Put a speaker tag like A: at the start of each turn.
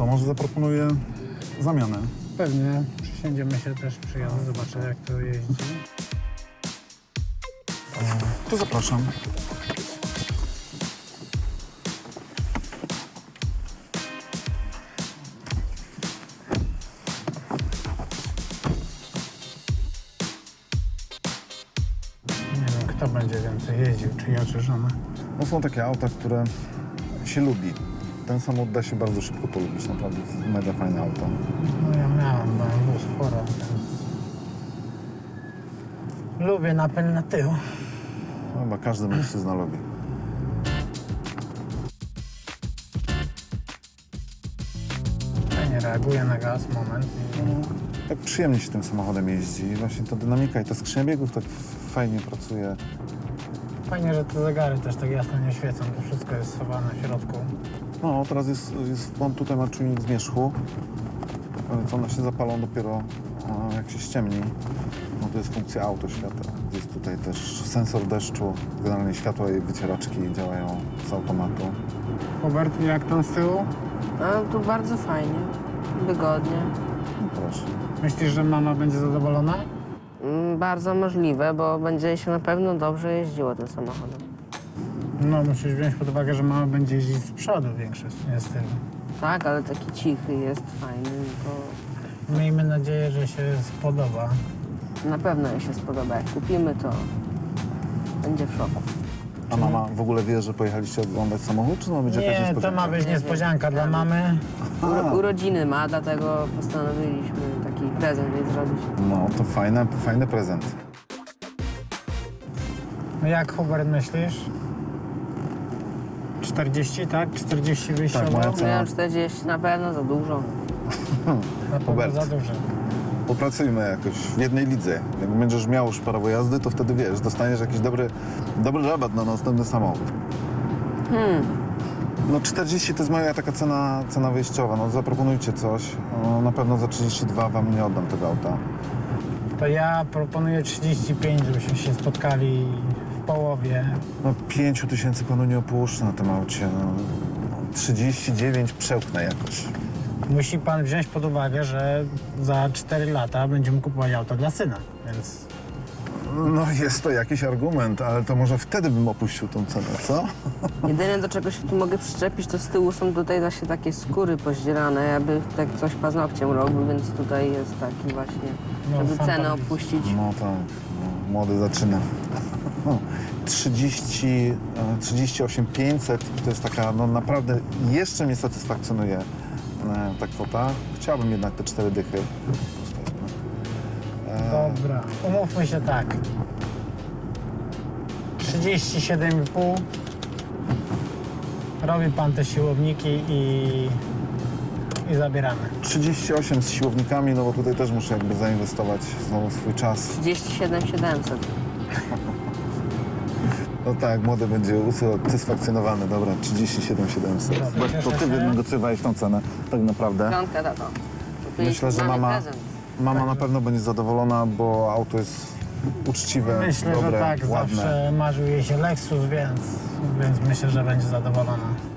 A: co, może zaproponuję zamianę.
B: Pewnie. Przysiądziemy się też, przyjadę, zobaczę jak to jeździ.
A: To zapraszam.
B: Nie wiem, kto będzie więcej jeździł, czy ja, czy żona.
A: No są takie auta, które się lubi. Ten samochód da się bardzo szybko polubić, naprawdę jest mega fajne auto.
B: No ja miałem BMW sporo, więc... Lubię napęd na tył.
A: Chyba każdy mężczyzna lubi.
B: Fajnie reaguje na gaz, moment.
A: Tak przyjemnie się tym samochodem jeździ. Właśnie ta dynamika i ta skrzynia biegów tak fajnie pracuje.
B: Fajnie, że te zegary też tak jasno nie świecą, to wszystko jest schowane w środku.
A: No, teraz on tutaj ma czujnik zmierzchu, więc one się zapalą dopiero jak się ściemni. No to jest funkcja autoświatła. Jest tutaj też sensor deszczu, generalnie światła i wycieraczki działają z automatu.
B: Hubert, jak tam z tyłu?
C: A tu bardzo fajnie, wygodnie.
A: No proszę.
B: Myślisz, że mama będzie zadowolona?
C: Bardzo możliwe, bo będzie się na pewno dobrze jeździło tym samochodem.
B: No, musisz wziąć pod uwagę, że mama będzie jeździć z przodu większość, nie z tyłu.
C: Tak, ale taki cichy jest, fajny, to
B: Miejmy nadzieję, że się spodoba.
C: na pewno jej się spodoba. Jak kupimy, to będzie w szoku.
A: A mama w ogóle wie, że pojechaliście oglądać samochód, czy ma być jakaś
B: Nie, to
A: niespodzianka?
B: ma być niespodzianka dla mamy.
C: Urodziny ma, dlatego postanowiliśmy taki prezent jej zrobić.
A: No, to fajny prezent.
B: No jak, Hubert, myślisz? 40, tak? 40 wyjściowo?
A: Tak, moja cena.
C: Miałem 40, na pewno za dużo.
B: Na pewno
A: Hubert.
B: za dużo.
A: Popracujmy jakoś w jednej lidze. Jak będziesz miał już prawo jazdy, to wtedy wiesz, dostaniesz jakiś dobry rabat na następny samochód. No 40 to jest moja taka cena wyjściowa. No zaproponujcie coś. No, na pewno za 32 wam nie oddam tego auta.
B: To ja proponuję 35, żebyśmy się spotkali w połowie.
A: No 5 tysięcy panu nie opuszczę na tym aucie. No, 39 przełknę jakoś.
B: Musi pan wziąć pod uwagę, że za 4 lata będziemy kupować auto dla syna, więc...
A: No jest to jakiś argument, ale to może wtedy bym opuścił tą cenę, co?
C: Jedyne, do czego się tu mogę przyczepić, to z tyłu są tutaj właśnie takie skóry pozdzierane, aby tak coś paznokciem robił, więc tutaj jest taki właśnie,
B: No,
C: żeby
B: sam
C: cenę
B: pan
C: opuścić.
A: No tak, no, młody zaczyna. No, 38 500 to jest taka, no naprawdę jeszcze mnie satysfakcjonuje ta kwota. Chciałbym jednak te 4 dychy.
B: Dobra, umówmy się tak. 37,5. Robi pan te siłowniki i zabieramy.
A: 38 z siłownikami, no bo tutaj też muszę jakby zainwestować znowu swój czas.
C: 37 700.
A: No tak, młody będzie usatysfakcjonowany. Dobra, 37 700.
B: Dobra,
A: To ty
B: cieszę się.
A: wynegocjowałeś tą cenę, tak naprawdę.
C: Piątkę, tato.
A: Myślę, że mama na pewno będzie zadowolona, bo auto jest uczciwe,
B: Myślę,
A: dobre,
B: że tak.
A: ładne.
B: Zawsze marzył jej się Lexus, więc myślę, że będzie zadowolona.